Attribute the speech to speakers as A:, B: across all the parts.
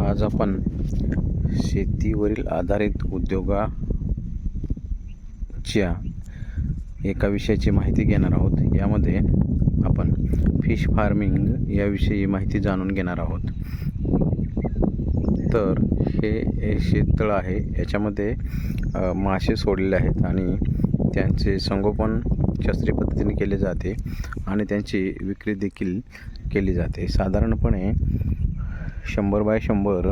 A: आज आपण शेतीवरील आधारित उद्योगाच्या एका विषयाची माहिती घेणार आहोत. यामध्ये आपण फिश फार्मिंग याविषयी माहिती जाणून घेणार आहोत. तर हे शेततळ आहे, याच्यामध्ये मासे सोडलेले आहेत आणि त्यांचे संगोपन शास्त्रीय पद्धतीने केले जाते आणि त्यांची विक्री देखील केली जाते. साधारणपणे 100 बाय 100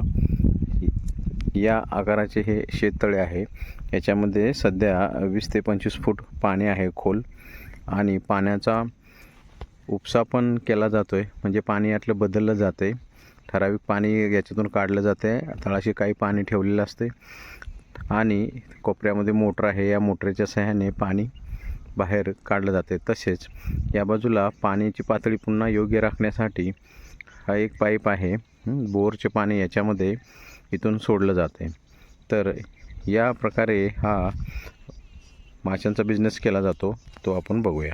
A: या आकाराचे हे शेततळे आहे. याच्यामध्ये सध्या 20 ते 25 फूट पाणी आहे खोल, आणि पाण्याचा उपसा पण केला जातो आहे. म्हणजे पाणी यातलं बदललं जातं आहे, ठराविक पाणी याच्यातून काढलं जातं आहे. तळाशी काही पाणी ठेवलेलं असते आणि कोपऱ्यामध्ये मोटर आहे. या मोटरच्या सहाय्याने पाणी बाहेर काढलं जाते. तसेच या बाजूला पाण्याची पातळी पुन्हा योग्य राखण्यासाठी हा एक पाईप आहे. बोरचे पाणी याच्यामध्ये इथून सोडलं जाते. तर या प्रकारे हा माशांचा बिझनेस केला जातो, तो आपण बघूया.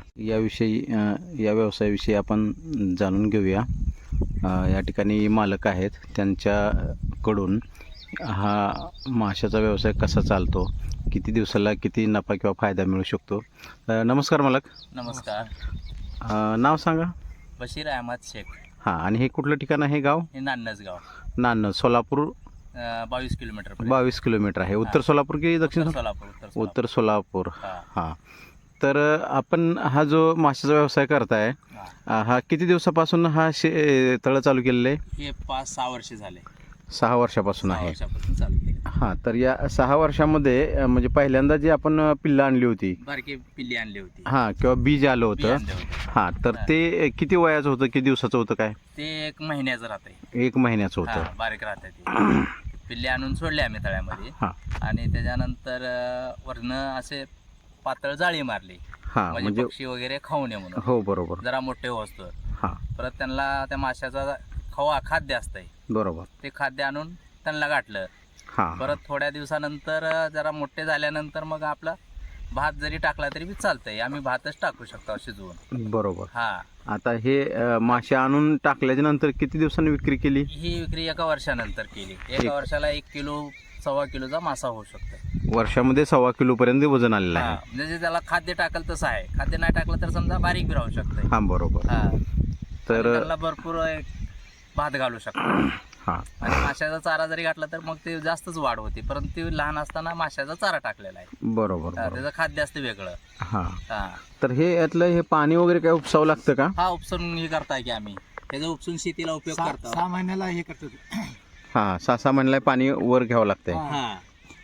A: या व्यवसायाविषयी आपण जाणून घेऊया. या ठिकाणी मालक आहेत, त्यांच्याकडून हा माशाचा व्यवसाय कसा चालतो, किती दिवसाला किती नफा किंवा फायदा मिळू शकतो. नमस्कार मालक.
B: नमस्कार.
A: नाव सांगा.
B: बशीर अहमद शेख.
A: हां, आणि हे कुठलं ठिकाण आहे गाव?
B: हे नान्नज गाव.
A: नान्नज, सोलापूर.
B: 22 किलोमीटर.
A: 22 किलोमीटर आहे. उत्तर सोलापूर की दक्षिण
B: सोलापूर?
A: उत्तर सोलापूर.
B: हां.
A: तर आपण हा जो माशाचा व्यवसाय करताय, हा किती दिवसापासून हा तळ चालू केलेलं आहे?
B: हे 5-6 वर्ष झाले.
A: 6 वर्षापासून
B: 6
A: आहे.
B: वर्षापासून चालू केले.
A: हां, तर या 6 वर्षामध्ये म्हणजे पहिल्यांदा जी आपण पिल्लं आणली होती,
B: बारकी पिल्ली आणली होती.
A: हां, किंवा बीज आलं होतं,
B: आणले होते.
A: हां, तर ते किती वयाचं होतं, किती दिवसाचं होतं काय?
B: ते 1 महिन्याचं राहते.
A: 1 महिन्याचं होतं.
B: बारीक राहते ते. पिल्ली आणून सोडले आम्ही तळ्यामध्ये.
A: हां
B: आणि त्याच्यानंतर वरनं असे पातळ जाळी मारली,
A: हां,
B: म्हणजे
A: म्हणजे
B: पक्षी वगैरे खाऊ नये म्हणून.
A: हो, बरोबर.
B: जरा मोठे होतो.
A: हां,
B: परत त्यांना त्या माशाचा खाद्य असतंय,
A: बरोबर.
B: ते खाद्य आणून त्यांना गाठलं.
A: हां,
B: परत थोड्या दिवसानंतर जरा मोठे झाल्यानंतर मग आपला भात जरी टाकला तरी बी चालतंय. आम्ही भातच टाकू शकतो शिजवून.
A: बरोबर.
B: हा,
A: आता हे मासे आणून टाकल्याच्या नंतर किती दिवसांनी विक्री केली?
B: ही विक्री 1 वर्षानंतर केली. 1 वर्षाला 1 किलो 1.25 किलोचा मासा होऊ शकतो.
A: वर्षामध्ये 1.25 किलोपर्यंत वजन आलेलं आहे.
B: म्हणजे त्याला खाद्य टाकल तसं आहे. खाद्य नाही टाकलं तर समजा बारीक बी राहू शकतंय.
A: हां, बरोबर.
B: हा,
A: तर
B: त्याला भरपूर भात घालू शकतो.
A: हां,
B: आणि माशाचा चारा जरी घातला तर मग ते जास्तच वाढ होती. परंतु लहान असताना माशाचा चारा टाकलेला आहे.
A: बरोबर.
B: त्याचं खाद्य असतं वेगळं.
A: हां,
B: हा,
A: तर हे यातलं हे पाणी वगैरे काय उपसावं लागतं का?
B: हा, उपसून हे करताय की आम्ही त्याचा उपसून शेतीला उपयोग करतो.
C: 6 महिन्याला हे करतो.
A: हां, 6-6 महिन्याला पाणी वर घ्यावं लागतंय.
B: हा,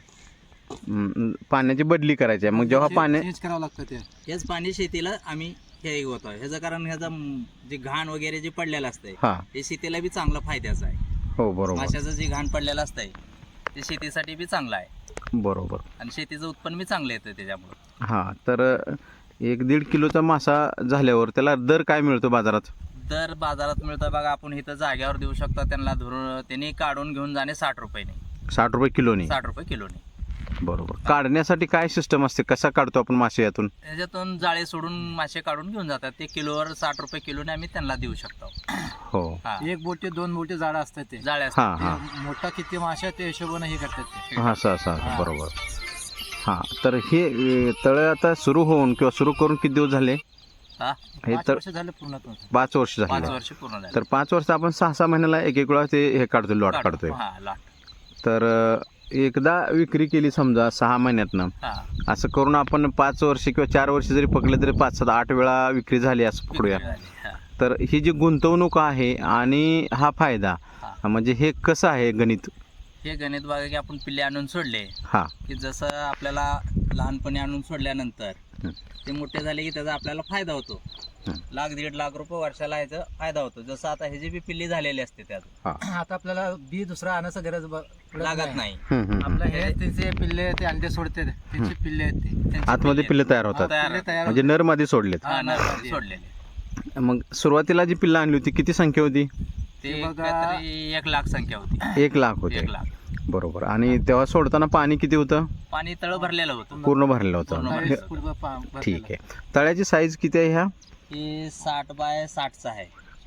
A: पाण्याची बदली करायची आहे. मग जेव्हा पाणी
C: चेंज करावं लागतं ते.
B: हेच पाणी शेतीला आम्ही हे होतो. ह्याचं कारण ह्याचा जे घाण वगैरे जे पडलेलं असतंय
A: हां,
B: हे शेतीला बी चांगलं फायद्याचं आहे.
A: हो, बरोबर.
B: माशाचं जे घाण पडलेलं असतंय ते शेतीसाठी बी चांगलं आहे,
A: बरोबर.
B: आणि शेतीचं उत्पन्न बी चांगलं येतं त्याच्यामुळं.
A: हां, तर 1-1.5 किलोचा मासा झाल्यावर त्याला दर काय मिळतो बाजारात?
B: दर बाजारात मिळतं बघा. आपण इथं जाग्यावर देऊ शकतो त्यांना. धरून त्यांनी काढून घेऊन जाणे 60 रुपयाने.
A: 60 रुपये किलोने?
B: 60 रुपये किलोने.
A: बरोबर. काढण्यासाठी काय सिस्टम असते, कसा काढतो आपण मासे यातून?
B: त्याच्यातून जाळे सोडून मासे काढून घेऊन जातात. ते किलोवर 60 रुपये किलोने आम्ही त्यांना देऊ शकतो.
A: हो.
B: हा,
C: 1 बोटे 2 बोटे जाडं असतात ते.
B: जाळे
A: हां
B: असतात.
A: हां
C: मोठा किती माशा त्या हिशोबाने हे करतात ते.
A: हां, असं बरोबर. हां, तर हे तळं आता सुरू होऊन किंवा सुरू करून किती दिवस झाले?
B: हा,
A: हे
C: 5
A: तर
C: वर्ष झाले पूर्ण.
A: 5 वर्ष
B: 5
A: झाले.
B: वर्ष पूर्ण झाले.
A: तर 5 वर्ष आपण 6-6 महिन्याला एक वेळा ते हे काढतोय, लॉट काढतोय.
B: हा, लॉट.
A: तर एकदा विक्री केली समजा 6 महिन्यातनं,
B: हा,
A: असं करून आपण 5 वर्ष किंवा 4 वर्ष जरी पकडले तरी 5-7-8 वेळा विक्री झाली असं पकडूया.
B: झाली. हा,
A: तर ही जी गुंतवणूक आहे आणि हा फायदा,
B: हा.
A: म्हणजे हे कसं आहे गणित?
B: हे गणित बघा की आपण पिल्ले आणून सोडले
A: हां,
B: की जसं आपल्याला लहानपणी आणून सोडल्यानंतर
A: हं.
B: ते मोठे झाले की त्याचा आपल्याला फायदा होतो.
A: हं.
B: 1-1.5 लाख रुपये वर्षाला याचा फायदा होतो. जसं आता ह्याची बी पिल्ली झालेली असते त्यात
C: आता आपल्याला बी दुसरा आणायचं गरज
B: लागत नाही.
C: आपलं हे त्यांचे पिल्ले ते अंडे सोडते, त्यांचे पिल्ले आहेत ते.
B: त्यांची
A: आतमध्ये पिल्लं तयार होतात,
B: तयार
C: तयार
A: म्हणजे नरमध्ये सोडलेत.
B: हा, नरमध्ये सोडलेले.
A: मग सुरुवातीला जी पिल्लं आणली होती किती संख्या होती?
B: ते
C: ते बघा,
B: काहीतरी 1 लाख संख्या होती.
A: 1 लाख होते.
B: 1 लाख.
A: बरोबर. आणि तेव्हा सोडताना पाणी किती होतं?
B: पाणी तळ भरलेलं होतं.
A: पूर्ण भरलेलं होतं.
B: पूर्ण
A: हे-
B: भरलेलं.
A: ठीक आहे. तळ्याची साईज किती आहे ह्या?
B: हे 60 बाय 60चा आहे.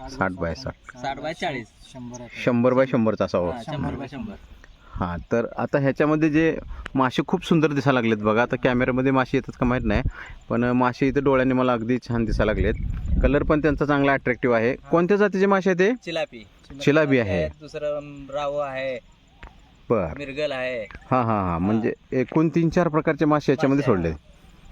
A: 60 बाय 60
B: 60 बाय 40
C: 100 आहे.
A: 100 बाय 100चा असावा.
B: 100 बाय 100.
A: हां, तर आता ह्याच्यामध्ये जे मासे खूप सुंदर दिसायला लागलेत बघा. आता कॅमेऱ्यामध्ये मासे येतात का माहीत नाही, पण मासे इथं डोळ्याने मला अगदी छान दिसायला लागलेत. कलर पण त्यांचा चांगला अट्रॅक्टिव्ह आहे. कोणत्या जातीचे मासे आहेत ते?
B: चिलापी
A: चिलापी आहे.
B: दुसरं राव आहे,
A: बरं.
B: मिरगल आहे.
A: हां हां हां, म्हणजे एकूण 3-4 प्रकारचे मासे याच्यामध्ये
B: मासे
A: सोडले.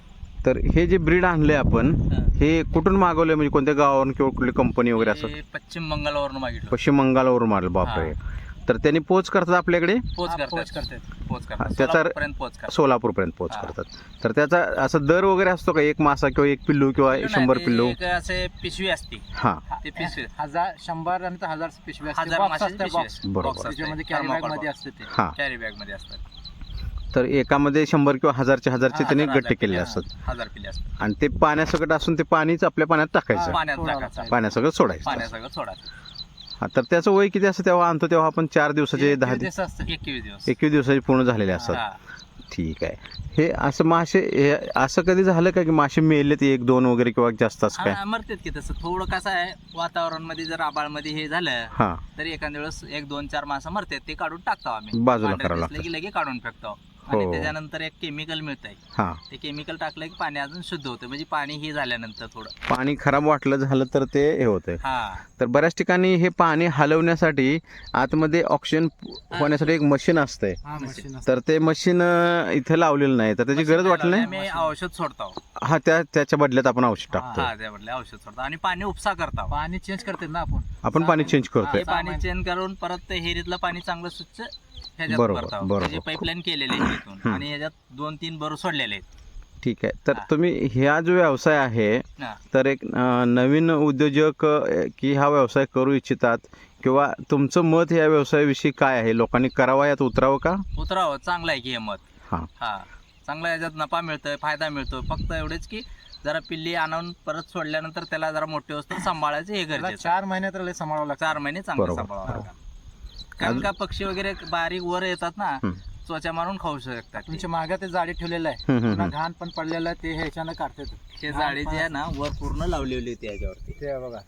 A: तर हे जे ब्रीड आणले आपण,
B: हा.
A: हे कुठून मागवले, म्हणजे कोणत्या गावावरून किंवा कुठली कंपनी वगैरे असं?
B: हे पश्चिम बंगालवरून मागितलं.
A: पश्चिम बंगालवरून मारलं. बापरे. तर त्यांनी पोच करतात आपल्याकडे,
B: पोच
C: हा,
B: करतात.
C: पोच करतात.
B: पोच
A: हा,
B: करतात.
A: त्याचा-
B: सोलापूरपर्यंत पोच करतात.
A: सोलापूरपर्यंत पोच
B: हा.
A: करतात. तर त्याचा असं दर वगैरे असतो का? एक मासा किंवा एक पिल्लू किंवा
B: पिल्लू
A: 100
B: नाही,
A: पिल्लू?
B: ते असे पिशवी असते.
A: हां,
B: ते पिशवी
C: 100 आणि 1000 पिशवी असते.
B: 1000
C: बॉक्स
B: माशाची
C: असते,
B: पिशवी
C: बॉक्स.
B: असते.
A: बरोबर.
B: बॉक्स असते.
C: त्याच्यामध्ये कॅरी बॅग
B: थर्माकोल
C: मध्ये
B: बॉक्स.
C: असते ते.
A: हां.
B: कॅरी बॅग मध्ये असतात.
A: तर एकामध्ये 100 किंवा 1000चे त्यांनी
B: 1000
A: गट्टे केले
B: पिल्ले,
A: असतात.
B: 1000 पिल्ले असतात.
A: आणि ते पाण्यासकट असून ते पाणीच आपल्या पाण्यात टाकायचं,
B: पाण्यात
C: सोडावं
B: टाकायचं.
C: लागतं.
A: पाण्यासकट सोडायचं.
B: पाण्यात सगळं सोडायचं.
A: हा, तर त्याचं वय किती असतं तेव्हा आणतो तेव्हा आपण? 4 दिवसाचे, 10
C: दिवस असते.
B: 21 दिवस.
A: 21 दिवसाचे पूर्ण झालेले असतात.
B: हा.
A: ठीक आहे. हे असं मासे, हे असं कधी झालं का की मासे मेलेत 1-2 वगैरे किंवा जास्त असं काय?
B: हा, मरतात की तसं. थोडं कसं आहे, वातावरण मध्ये जर आबाळ मध्ये हे झालं
A: हां,
B: तर एखाद्या वेळेस 1-2-4 मासा मरतात. ते काढून टाकतो आम्ही.
A: बाजूला
B: पांढरे
A: करावं
B: दिसले
A: लागतं.
B: की लगे काढून फेकतो.
A: हो.
B: आणि त्याच्यानंतर एक केमिकल मिळतंय.
A: हां.
B: ते केमिकल टाकलं की पाणी अजून शुद्ध होतं. म्हणजे पाणी हे झाल्यानंतर थोडं.
A: पाणी खराब वाटलं झालं तर ते हे होतं.
B: हा.
A: तर बऱ्याच ठिकाणी हे पाणी हलवण्यासाठी आतमध्ये ऑक्सिजन होण्यासाठी एक मशीन असतंय.
C: हा, मशीन असते.
A: तर ते मशीन इथे लावलेलं नाही, तर त्याची गरज वाटली नाही.
B: आम्ही औषध सोडतो.
A: हा, त्याच्या बदल्यात आपण औषध टाकतो.
B: हा, त्याबद्दल औषध सोडतो आणि पाणी उपसा करतो.
C: पाणी चेंज करते ना आपण.
A: आपण पाणी चेंज करतोय.
B: हे पाणी चेंज करून परत ते हेरीतलं पाणी चांगलं स्वच्छ ह्याच्यात
A: बरोबर,
B: करतो.
A: बरोबर.
B: त्याची पाईपलाईन केलेली आहे तिथून आणि ह्याच्यात 2-3 बरू सोडलेले आहेत.
A: ठीक आहे. तर
B: हा.
A: तुम्ही ह्या जो व्यवसाय आहे,
B: हा.
A: तर एक नवीन उद्योजक की हा व्यवसाय करू इच्छितात, किंवा तुमचं मत या व्यवसायाविषयी काय आहे? लोकांनी करावा, यात उतरावं का?
B: उतरावं, चांगलं आहे की हे मत.
A: हां.
B: हा, चांगला याच्यात नफा मिळतोय, फायदा मिळतोय. फक्त एवढेच की जरा पिल्ली आणून परत सोडल्यानंतर त्याला जरा मोठे वस्तू सांभाळायचं हे
C: त्याला
B: गरजेचं.
C: 4 महिने तर लय सांभाळावं लागतं.
B: 4 महिने चांगलं
A: बरोबर.
B: सांभाळावं लागतं. कारण का पक्षी वगैरे बारीक वर येतात ना,
A: हं.
B: त्वचा मारून खाऊ शकतात ते.
C: तुमच्या मागे ते जाळी ठेवलेलं आहे.
A: हं, हं,
C: पुन्हा
A: हं.
C: घाण पण पडलेलं आहे, ते ह्याच्यानं काढतात.
B: ते जाळी जे आहे ना वर पूर्ण लावलेली होती याच्यावरती.
C: ते बघा.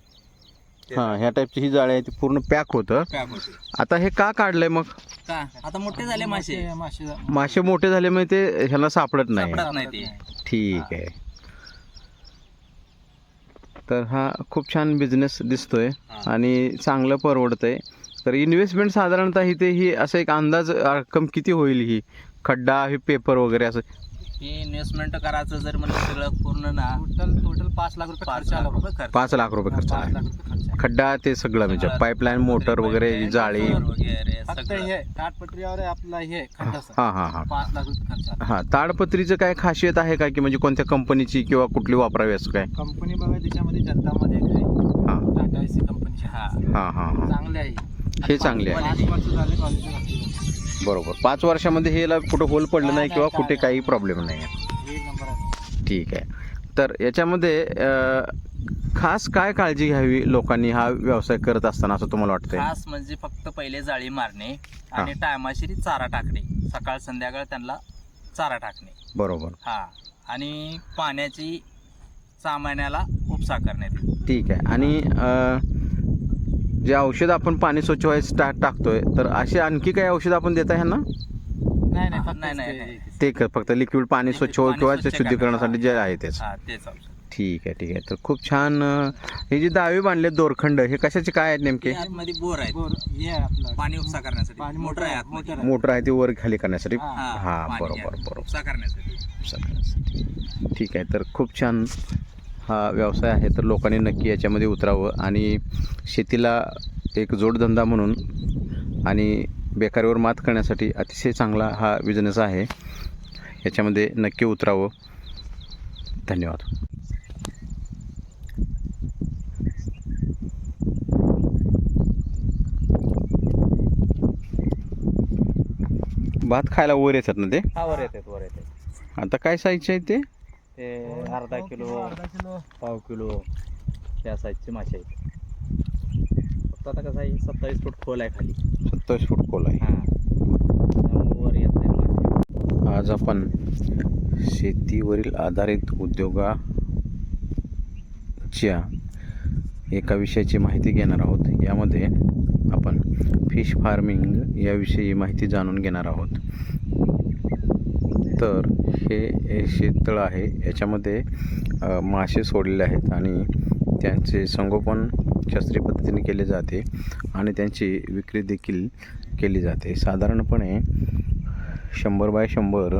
A: हां, ह्या टाईपची ही जाळी आहे, ती पूर्ण पॅक होतं.
B: पॅक होते.
A: आता हे का काढलंय मग?
B: का आता मोठे झाले मासे,
C: मासे
A: मासे मोठे झाले म्हणजे ते ह्याला सापडत नाही.
B: सापडत नाही ते.
A: ठीक आहे. तर हा खूप छान बिझनेस दिसतोय
B: हा.
A: आणि चांगलं परवडतंय. तर इन्व्हेस्टमेंट साधारणतः इथे ही असं एक अंदाज रक्कम किती होईल? ही खड्डा, हे पेपर वगैरे असं
B: हे इन्व्हेस्टमेंट करायचं जर म्हणलं सगळं पूर्ण ना
C: टोटल 5 लाख रुपये
B: 5
C: खर्च आला.
B: लाख रुपये खर्च.
A: 5 लाख रुपये खर्च
C: 5
A: आहे.
C: लाख रुपये खर्च आहे.
A: खड्डा ते सगळं म्हणजे
B: सगळं.
A: पाईपलाईन, मोटर वगैरे,
B: पाईपलाईन,
A: जाळी.
B: मोटर वगैरे
C: फक्त
B: सगळं.
C: हे ताटपत्रीवर आहे आपला हे खड्डाचं.
A: हां हां हां
C: 5 लाख रुपये खर्च आला.
A: हां. ताडपत्रीचं काय खासियत आहे का, की म्हणजे कोणत्या कंपनीची किंवा कुठली वापरावी असं काय?
C: कंपनी बघा त्याच्यामध्ये जनतामध्ये एक आहे,
A: हां
C: टाटा एसी कंपनीची.
B: हा.
A: हां हां हां.
C: चांगले आहे.
A: हे चांगले आहे.
C: 5 वर्ष झाले कॉलेजला.
A: बरोबर. 5 वर्षामध्ये हेला कुठं होल पडलं नाही किंवा
C: काय-
A: कुठे काही प्रॉब्लेम नाही आहे.
C: एक नंबर आहे.
A: ठीक आहे. तर याच्यामध्ये खास काय काळजी घ्यावी लोकांनी हा व्यवसाय करत असताना असं तुम्हाला वाटतंय?
B: खास म्हणजे फक्त पहिले जाळी मारणे आणि टायमाशिरी चारा टाकणे. सकाळ संध्याकाळ त्यांना चारा टाकणे.
A: बरोबर.
B: हा, आणि पाण्याची 6 महिन्याला उपसा करण्यात येईल.
A: ठीक आहे. आणि जे औषध आपण पाणी स्वच्छ व्हायचं टाकतोय, तर असे आणखी काही औषध आपण देता ह्यांना?
C: नाही फक्त
B: नाही,
C: ते-
B: नाही.
A: ते फक्त लिक्विड पाणी स्वच्छ हो
B: पाणी
A: किंवा
B: स्वच्छ
A: शुद्धीकरणासाठी जे
B: करण्याचं.
A: आहे तेच.
B: हा, तेच औषध.
A: ठीक आहे, ठीक आहे. तर खूप छान. हे जे दावे बांधले दोरखंड, हे कशाचे काय आहेत नेमके?
B: हे आतमध्ये बोर आहे,
C: बोर हे आहे आपलं
B: पाणी उपसा करण्यासाठी.
C: पाणी
B: मोटर आहे आतमध्ये.
C: मोटर आहे.
A: मोटर आहे ते वर खाली करण्यासाठी.
C: हा.
A: हा,
B: पाणी
A: बरोबर
B: आहे,
A: बरोबर.
B: उपसा करण्यासाठी.
A: सगळ्यांसाठी. ठीक आहे. तर खूप छान हा व्यवसाय आहे. तर लोकांनी नक्की याच्यामध्ये उतरावं आणि शेतीला एक जोडधंदा म्हणून आणि बेकारीवर मात करण्यासाठी अतिशय चांगला हा बिझनेस आहे. याच्यामध्ये नक्की उतरावं. धन्यवाद. भात खायला वर येतात ना ते?
B: हा, वर येते, वर येते.
A: आता काय साईजचे आहे ते?
B: ते अर्धा किलो, पाव किलो त्या साईजचे मासे आहेत. फक्त आता कसं आहे, 27 फूट खोल आहे खाली.
A: 27 फूट खोल आहे.
B: हा, त्यामुळे वर येत नाही मासे.
A: आज आपण शेतीवरील आधारित उद्योगाच्या एका विषयाची माहिती घेणार आहोत. यामध्ये आपण फिश फार्मिंग याविषयी माहिती जाणून घेणार आहोत. तर हे शेततळ आहे, याच्यामध्ये मासे सोडलेले आहेत आणि त्यांचे संगोपन शास्त्रीय पद्धतीने केले जाते आणि त्यांची विक्री देखील केली जाते. साधारणपणे 100 बाय 100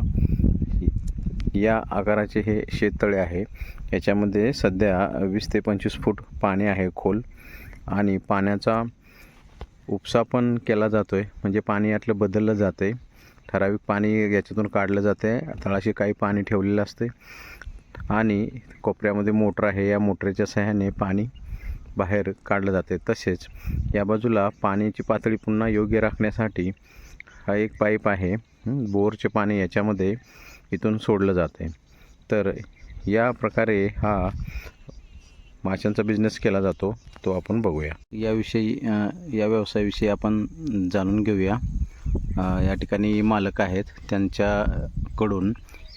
A: या आकाराचे हे शेततळे आहे. याच्यामध्ये सध्या 20 ते 25 फूट पाणी आहे खोल, आणि पाण्याचा उपसा पण केला जातो आहे. म्हणजे पाणी यातलं बदललं जातं आहे. ठराविक पाणी याच्यातून काढलं जातं आहे. तळाशी काही पाणी ठेवलेलं असते आणि कोपऱ्यामध्ये मोटर आहे. या मोटरच्या सहाय्याने पाणी बाहेर काढलं जाते. तसेच या बाजूला पाण्याची पातळी पुन्हा योग्य राखण्यासाठी हा एक पाईप आहे. बोरचे पाणी याच्यामध्ये इथून सोडलं जाते. तर या प्रकारे हा माशांचा बिझनेस केला जातो, तो आपण बघूया. याविषयी या व्यवसायाविषयी आपण जाणून घेऊया. या ठिकाणी मालक आहेत, त्यांच्याकडून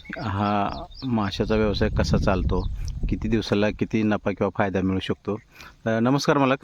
A: हा माशाचा व्यवसाय कसा चालतो, किती दिवसाला किती नफा किंवा फायदा मिळू शकतो. नमस्कार मालक.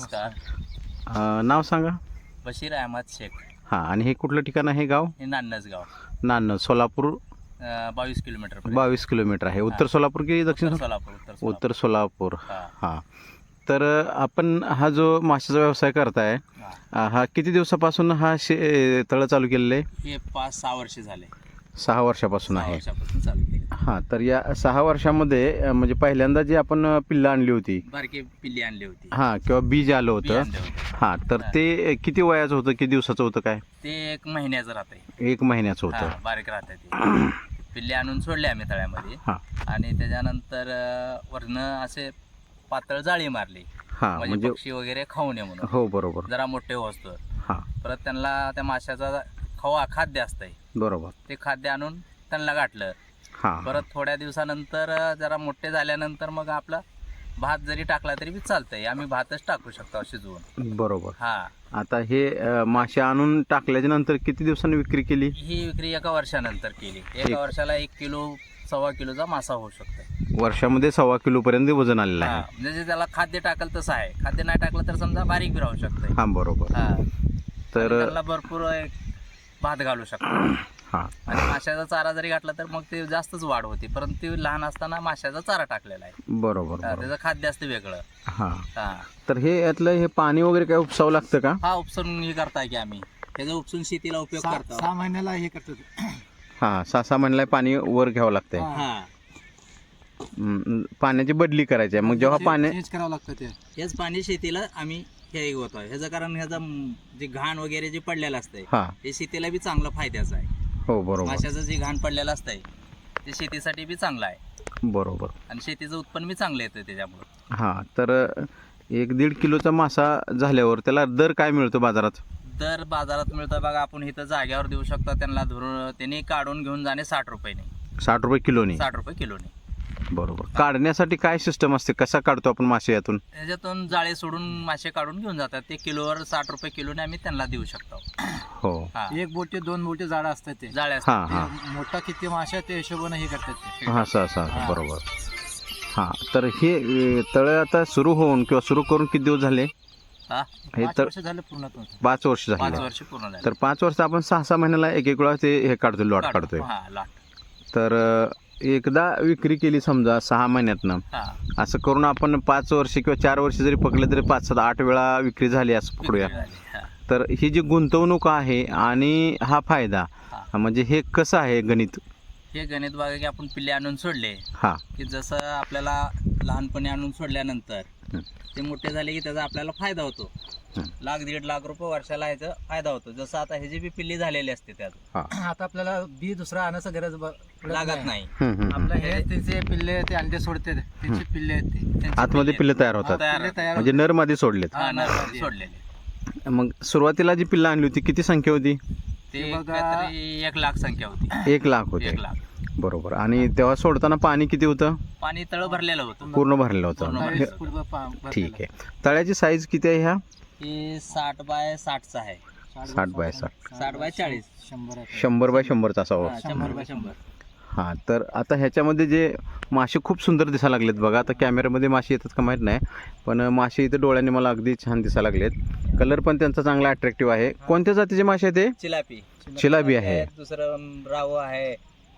B: नमस्कार.
A: नाव सांगा.
B: बशीर अहमद शेख.
A: हां, आणि हे कुठलं ठिकाण आहे गाव?
B: हे नान्नज गाव,
A: नान्नज, सोलापूर.
B: 22 किलोमीटर.
A: 22 किलोमीटर आहे. उत्तर सोलापूर की दक्षिण
B: सोलापूर?
A: उत्तर सोलापूर.
B: हा.
A: हां, तर आपण हा जो माशाचा व्यवसाय करताय, हा किती दिवसापासून हा तळं चालू केलेलं आहे?
B: हे 5-6 वर्ष झाले.
A: 6 वर्षापासून
B: 6
A: आहे.
B: वर्षापासून चालू केले.
A: हां, तर या 6 वर्षामध्ये म्हणजे पहिल्यांदा जी आपण पिल्लं आणली होती,
B: बारकी पिल्ली आणली होती.
A: हां, किंवा बीज आलं
B: बी
A: होतं,
B: आणलं होतं.
A: हां, तर ते किती वयाचं होतं, किती दिवसाचं होतं, काय?
B: ते 1 महिन्याचं राहतंय.
A: 1 महिन्याचं होतं.
B: बारीक राहतंय ते. पिल्ले आणून सोडले आम्ही तळ्यामध्ये,
A: हां
B: आणि त्याच्यानंतर वरनं असे पातळ जाळी मारली,
A: हां,
B: म्हणजे
A: म्हणजे
B: पक्षी वगैरे खाऊ नये म्हणून.
A: हो, बरोबर.
B: जरा मोठे होतो.
A: हां,
B: परत त्यांना त्या माशाचा खाद्य असतंय,
A: बरोबर.
B: ते खाद्य आणून त्यांना गाठलं.
A: हां,
B: परत थोड्या दिवसानंतर जरा मोठे झाल्यानंतर मग आपला भात जरी टाकला तरी बी चालतंय. आम्ही भातच टाकू शकतो शिजवून.
A: बरोबर.
B: हा,
A: आता हे मासे आणून टाकल्याच्या नंतर किती दिवसांनी विक्री केली?
B: ही विक्री 1 वर्षानंतर केली. 1 वर्षाला 1 किलो 1.25 किलोचा मासा होऊ शकतो.
A: वर्षामध्ये 1.25 किलोपर्यंत वजन आलेलं
B: हा,
A: आहे.
B: म्हणजे त्याला खाद्य टाकल तसं आहे. खाद्य नाही टाकलं तर समजा बारीक बी राहू शकतंय.
A: हां, बरोबर.
B: हा,
A: तर
B: त्याला भरपूर भात घालू शकतो.
A: हां,
B: आणि माशाचा चारा जरी घातला तर मग ते जास्तच वाढ होती. परंतु लहान असताना माशाचा चारा टाकलेला आहे.
A: बरोबर,
B: हा,
A: बरोबर.
B: त्याचं खाद्य असतं वेगळं.
A: हां,
B: हा,
A: तर हे यातलं हे पाणी वगैरे काय उपसावं लागतं का?
B: हा, उपसून हे करताय की आम्ही त्याचा उपसून शेतीला उपयोग करतो.
C: 6 महिन्याला हे करतो.
A: हां, 6 महिन्याला पाणी वर घ्यावं लागतंय.
B: हा,
A: पाण्याची बदली करायची आहे. मग जेव्हा पाणी
C: चेंज करावं लागतं ते.
B: हेच पाणी शेतीला आम्ही हे होतो. ह्याचं कारण ह्याचा जे घाण वगैरे जे पडलेलं असतंय
A: हां,
B: ते शेतीला बी चांगलं फायद्याचं आहे.
A: हो, बरोबर,
B: माशाचं जे घाण पडलेलं असतंय ते शेतीसाठी बी चांगलं आहे,
A: बरोबर.
B: आणि शेतीचं उत्पन्न बी चांगलं येतं त्याच्यामुळं.
A: हां, तर 1-1.5 किलोचा मासा झाल्यावर त्याला दर काय मिळतो बाजारात?
B: दर बाजारात मिळतं बघा. आपण इथं जाग्यावर देऊ शकतो त्यांना. धरून त्यांनी काढून घेऊन जाणे 60 रुपयाने.
A: 60 रुपये किलोने?
B: 60 रुपये किलोने.
A: बरोबर. काढण्यासाठी काय सिस्टम असते, कसा काढतो आपण मासे यातून?
B: त्याच्यातून जाळे सोडून मासे काढून घेऊन जातात. ते किलोवर 60 रुपये किलोने आम्ही त्यांना देऊ शकतो.
A: हो.
B: हा,
C: 1 बोटे 2 बोटे जाडं असतात ते.
B: जाळे
A: हां
B: असतात.
A: हां
C: ते मोठा किती माशा ते हिशोबाने हे करतात ते.
A: हां, असं बरोबर. हां, तर हे तळं आता सुरू होऊन किंवा सुरू करून किती दिवस झाले?
B: हा,
A: हे
C: 5
A: तर
C: वर्ष झालं पूर्ण.
A: 5 वर्ष
B: 5
A: झाले.
B: वर्ष पूर्ण झाले.
A: तर 5 वर्ष आपण 6-6 महिन्याला एक वेळा ते हे काढतोय, लॉट काढतोय.
B: हा, लॉट.
A: तर एकदा विक्री केली समजा 6 महिन्यातनं,
B: हा,
A: असं करून आपण 5 वर्ष किंवा 4 वर्ष जरी पकडले तरी 5-7-8 वेळा विक्री झाली असं पकडूया.
B: विक्री झाली. हा,
A: तर ही जी गुंतवणूक आहे आणि हा फायदा,
B: हा.
A: म्हणजे हे कसं आहे गणित?
B: हे गणित बघा की आपण पिल्ले आणून सोडले
A: हां,
B: की जसं आपल्याला लहानपणी आणून सोडल्यानंतर
A: हं.
B: ते मोठे झाले की त्याचा आपल्याला फायदा होतो.
A: हं.
B: 1-1.5 लाख रुपये वर्षाला ह्याचा फायदा होतो. जसं आता ह्याची बी पिल्ली झालेली असते त्यात
C: आता आपल्याला बी दुसरा आणायचं गरज
B: लागत नाही.
C: आपलं हे त्यांचे पिल्ले ते अंडे सोडते, त्यांची पिल्ले आहेत ते.
B: त्यांचे
A: आतमध्ये पिल्लं तयार होतात,
C: पिल्ले तयार
A: म्हणजे नरमध्ये सोडलेत.
B: हा, नरमध्ये सोडलेले.
A: मग सुरुवातीला जी पिल्लं आणली होती किती संख्या होती?
B: ते
C: ते बघा.
B: काहीतरी 1 लाख संख्या होती.
A: 1 लाख होते.
B: 1 लाख.
A: बरोबर. आणि तेव्हा सोडताना पाणी किती होतं?
B: पाणी तळ भरलेलं होतं.
A: पूर्ण भरलेलं होतं.
B: पूर्ण
A: हे-
B: भरलेलं.
C: पूर्ण
A: ठीक आहे. तळ्याची साईज किती आहे ह्या?
B: हे 60 बाय 60चा आहे.
A: 60 बाय 60.
B: 60 बाय 40.
C: 100 आहे.
A: 100 बाय 100चा असावा.
B: हा, 100 बाय 100.
A: हां, तर आता ह्याच्यामध्ये जे मासे खूप सुंदर दिसायला लागलेत बघा. आता कॅमेऱ्यामध्ये मासे येतात का माहीत नाही, पण मासे इथं डोळ्यांनी मला अगदी छान दिसायला लागलेत. कलर पण त्यांचा चांगला अट्रॅक्टिव्ह आहे. कोणत्या जातीचे मासे आहेत ते?
B: चिलापी
A: चिलाबी आहे.
B: दुसरं राव आहे,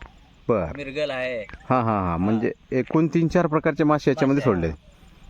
A: बरं.
B: मिरगल आहे.
A: हां हां हां, म्हणजे एकूण 3-4 प्रकारचे मासे याच्यामध्ये
B: मासे
A: सोडले.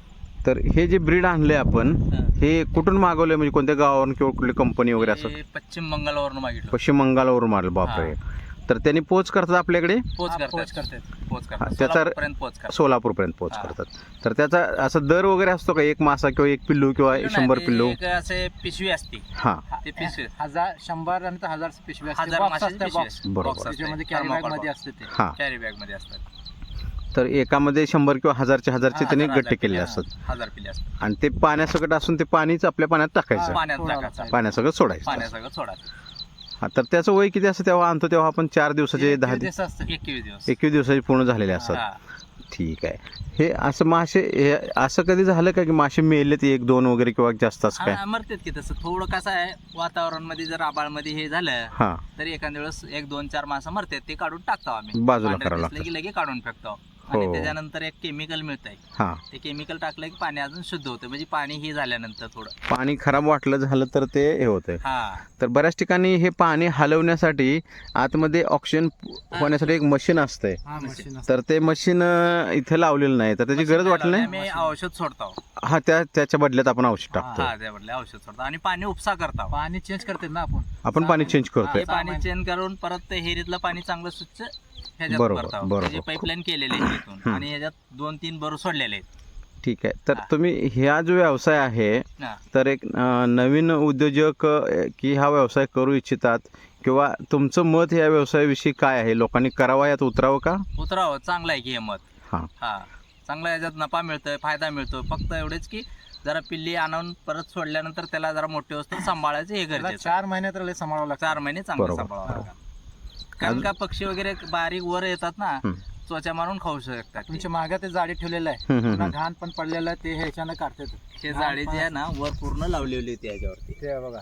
A: तर हे जे ब्रीड आणले आपण,
B: हा.
A: हे कुठून मागवले, म्हणजे कोणत्या गावावरून किंवा कुठली कंपनी वगैरे असं?
B: हे पश्चिम बंगालवरून मागितलं.
A: पश्चिम बंगालवरून मारलं. बापरे. तर त्यांनी पोच करतात आपल्याकडे,
B: पोच
C: पोच
B: करतात.
C: करतात.
A: त्याचा
B: सोलापूरपर्यंत पोच करतात.
A: सोलापूरपर्यंत पोच
B: हा.
A: करतात. तर त्याचा असं दर वगैरे असतो का, एक मासा किंवा एक पिल्लू किंवा 100 पिल्लू?
B: एक असे पिशवी असते.
A: हां,
B: ते पिशवी
C: 1000 100 आणि 1000 पिशवी असते.
B: 1000
C: Box
B: माशाची
C: असते,
B: पिशवी
C: box.
B: असते.
A: बरोबर.
B: Box असते.
C: त्याच्यामध्ये कॅरी बॅग
B: Thermocol
C: मध्ये
B: box.
C: असते ते.
A: हां.
B: कॅरी बॅग मध्ये असतात.
A: तर एकामध्ये 100 किंवा 1000चे त्यांनी गट्टे केले असतात.
B: 1000 पिल्ले असतात.
A: आणि ते पाण्यासकट असून ते पाणीच आपल्या पाण्यात टाकायचं,
B: पाण्यात
C: सोडावं
B: टाकायचं.
C: लागतं.
A: पाण्यासकट सोडायचं.
B: पाण्यासगळं सोडायचं.
A: हा, तर त्याचं वय किती असतं तेव्हा आणतो तेव्हा आपण? 4 दिवसाचे, 10
C: दिवस असते.
B: 21 दिवस.
A: 21 दिवसाचे पूर्ण झालेले असतात.
B: हा.
A: ठीक आहे. हे असं मासे, हे असं कधी झालं का की मासे मेलेत 1-2 वगैरे किंवा जास्त असं काय?
B: हा, मरतात की तसं. थोडं कसं आहे, वातावरण मध्ये जर आबाळ मध्ये हे झालं
A: हां,
B: तर एखाद्या वेळेस 1-2-4 मासा मरतात. ते काढून टाकतो आम्ही.
A: बाजूला
B: पांढरे
A: करावं
B: दिसले
A: लागतं.
B: की लगे काढून फेकतो.
A: हो.
B: आणि त्याच्यानंतर एक केमिकल मिळतंय.
A: हां.
B: ते केमिकल टाकलं की पाणी अजून शुद्ध होतं. म्हणजे पाणी हे झाल्यानंतर थोडं.
A: पाणी खराब वाटलं झालं तर ते हे होतंय.
B: हा.
A: तर बऱ्याच ठिकाणी हे पाणी हलवण्यासाठी आतमध्ये ऑक्सिजन होण्यासाठी एक मशीन असतंय.
C: हा, मशीन असते.
A: तर ते मशीन इथे लावलेलं नाही, तर त्याची गरज वाटली नाही.
B: आम्ही औषध सोडतो.
A: हा, त्याच्या बदल्यात आपण औषध टाकतो.
B: हा, त्याबद्दल औषध सोडतो आणि पाणी उपसा करतो.
C: पाणी चेंज करते ना आपण.
A: आपण पाणी चेंज करतोय.
B: हे पाणी चेंज करून परत ते हेरीतलं पाणी चांगलं स्वच्छ ह्याच्यात
A: बरोबर,
B: भरतो.
A: बरोबर.
B: म्हणजे पाईपलाईन केलेले आहे इथून आणि ह्याच्यात 2-3 बरू सोडलेले आहेत.
A: ठीक आहे. तर
B: हा.
A: तुम्ही ह्या जो व्यवसाय आहे,
B: हा.
A: तर एक नवीन उद्योजक की हा व्यवसाय करू इच्छितात, किंवा तुमचं मत या व्यवसायाविषयी काय आहे? लोकांनी करावा, यात उतरावं का?
B: उतरावं, चांगलं आहे की हे मत.
A: हां.
B: हा, चांगला याच्यात नफा मिळतोय, फायदा मिळतो. फक्त एवढेच की जरा पिल्ली आणून परत सोडल्यानंतर त्याला जरा मोठे वस्तू सांभाळायचं हे
C: त्याला
B: गरजेचं.
C: 4 महिन्यात त्याला सांभाळावं लागतं.
B: 4 महिने चांगलं
A: बरोबर.
B: सांभाळावं लागतं. कारण का पक्षी वगैरे बारीक वर येतात ना,
A: हं.
B: त्वचा मारून खाऊ शकतात.
C: तुमच्या मागे ते जाळी ठेवलेलं आहे.
A: हं, हं,
C: पुन्हा
A: हं.
C: घाण पण पडलेलं आहे, ते ह्याच्यानं काढतात.
B: ते जाळी जी आहे ना, वर पूर्ण लावलेली होती याच्यावरती.
C: ते बघा.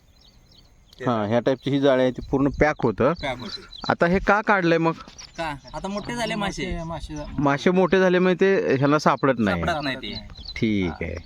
A: हां, ह्या टाईपची ही जाळी आहे, ती पूर्ण पॅक होतं.
B: पॅक होते.
A: आता हे का काढलंय मग?
B: का आता मोठे झाले मासे,
A: मासे मोठे झाले म्हणजे ते ह्याला सापडत नाही.
B: सापडत नाही ते.
A: ठीक आहे.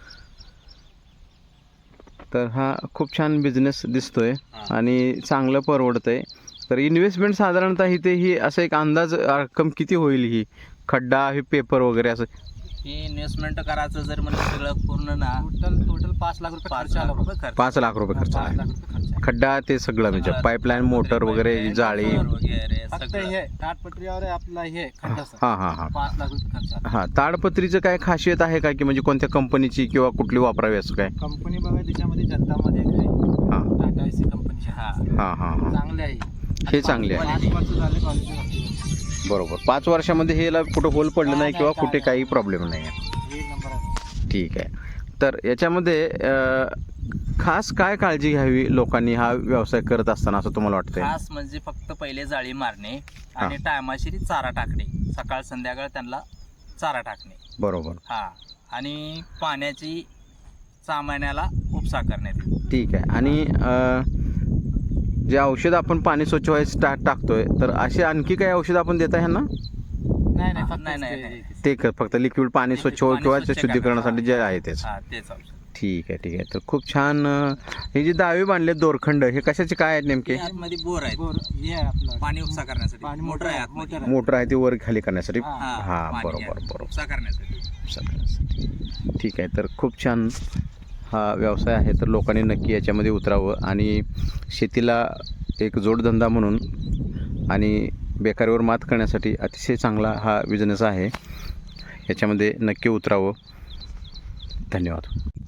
A: तर हा खूप छान बिझनेस दिसतोय
B: हा.
A: आणि चांगलं परवडतंय. तर इन्व्हेस्टमेंट साधारणतः इथे ही असं एक अंदाज रक्कम किती होईल? ही खड्डा, हे पेपर वगैरे असं
B: ही इन्व्हेस्टमेंट करायचं जर म्हणजे सगळं पूर्ण ना,
C: टोटल 5 लाख रुपये
B: 5
C: खर्च आला
B: लाख
C: बघा.
B: रुपये खर्च.
A: 5 लाख रुपये खर्च
C: 5
A: आहे.
C: लाख रुपये खर्च आहे.
A: खड्डा ते सगळं म्हणजे
B: सगळं.
A: पाईपलाईन, मोटर वगैरे,
B: pipeline,
A: जाळी.
B: motor वगैरे
C: फक्त
B: सगळं.
C: हे ताटपत्रीवर आहे आपला हे खड्डाचं.
A: हां हां हां
C: 5 लाख रुपये खर्च आला.
A: हां. ताडपत्रीचं काय खासियत आहे का, की म्हणजे कोणत्या कंपनीची किंवा कुठली वापरावी असं काय?
C: कंपनी बघा त्याच्यामध्ये जनतामध्ये एक आहे,
A: हां
C: टाटा एसी कंपनीची.
B: हा.
A: हां हां हां.
C: चांगले आहे.
A: हे चांगले आहे.
C: 5 वर्ष झाले क्वालिटी.
A: बरोबर. 5 वर्षामध्ये हेला कुठं होल पडलं नाही किंवा
C: काय
A: कुठे काही प्रॉब्लेम नाही आहे.
C: एक नंबर आहे.
A: ठीक आहे. तर याच्यामध्ये खास काय काळजी घ्यावी लोकांनी हा व्यवसाय करत असताना असं तुम्हाला वाटतंय?
B: खास म्हणजे फक्त पहिले जाळी मारणे आणि टायमाशिरी चारा टाकणे. सकाळ संध्याकाळ त्यांना चारा टाकणे.
A: बरोबर.
B: हा, आणि पाण्याची 6 महिन्याला उपसा करण्यात येईल.
A: ठीक आहे. आणि जे औषध आपण पाणी स्वच्छ व्हायचं टाकतोय, तर असे आणखी काही औषध आपण देता ह्यांना?
C: नाही फक्त
B: नाही.
A: ते फक्त लिक्विड पाणी स्वच्छ हो
B: पाणी
A: किंवा
B: स्वच्छ
A: शुद्धीकरणासाठी जे
B: करण्याचं.
A: आहे तेच.
B: हा, तेच औषध.
A: ठीक आहे. तर खूप छान. हे जे दावे बांधले दोरखंड, हे कशाचे काय आहेत नेमके?
B: हे आतमध्ये बोर आहे,
C: बोर हे आहे आपलं
B: पाणी उपसा करण्यासाठी.
C: पाणी
B: मोटर आहे
C: मोटर
B: आतमध्ये.
C: आहे.
A: मोटर आहे ती वर खाली करण्यासाठी.
C: हा.
A: हां,
B: पाणी
A: बरोबर
B: आहे.
A: बरोबर.
B: उपसा करण्यासाठी.
A: सगळ्यांसाठी. ठीक आहे. तर खूप छान हा व्यवसाय आहे. तर लोकांनी नक्की याच्यामध्ये उतरावं आणि शेतीला एक जोडधंदा म्हणून आणि बेकारीवर मात करण्यासाठी अतिशय चांगला हा बिझनेस आहे. याच्यामध्ये नक्की उतरावं. धन्यवाद.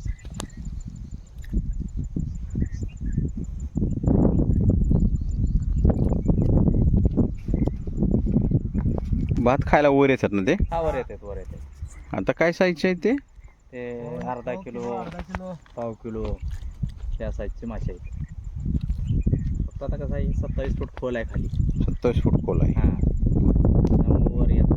A: भात खायला वर येतात ना ते?
B: हा, वर येते.
A: आता काय साईजचे आहे ते?
B: ते अर्धा किलो, पाव किलो त्या साईजचे मासे आहेत. फक्त आता कसं आहे, 27 फूट खोल आहे खाली.
A: 27 फूट खोल आहे.
B: हा, त्यामुळे वर येतात.